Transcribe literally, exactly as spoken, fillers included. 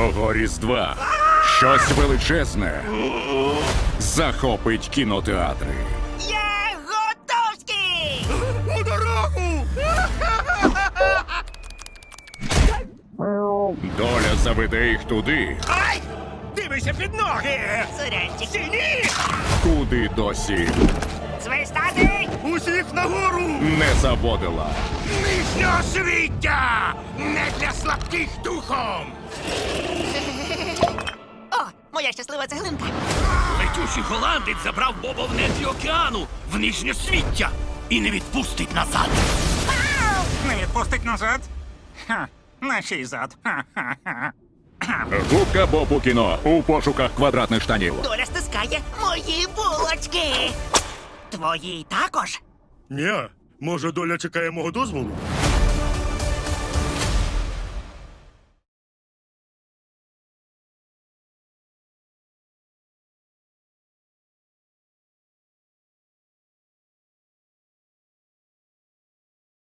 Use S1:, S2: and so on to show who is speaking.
S1: Цього Різдва щось величезне захопить кінотеатри.
S2: Я готовський!
S3: У дорогу!
S1: Доля заведе їх туди,
S3: Ай! Дивися під ноги!
S2: Сурянчик.
S3: Сіні!
S1: куди досі
S2: Свистати!
S3: Усіх нагору!
S1: не заводила.
S3: Нижнього свіття! Не для слабких духом!
S2: О, моя щаслива цеглинка.
S4: Летючий голландець забрав Боба в нетрі океану, в нижнє свіття, і не відпустить назад.
S5: Не відпустить назад? Ха, на чий зад? Ха-ха-ха.
S1: Губка Боб у кіно у пошуках квадратних штанів.
S2: Доля стискає мої булочки. Твої також.
S3: Ні, може доля чекає мого дозволу?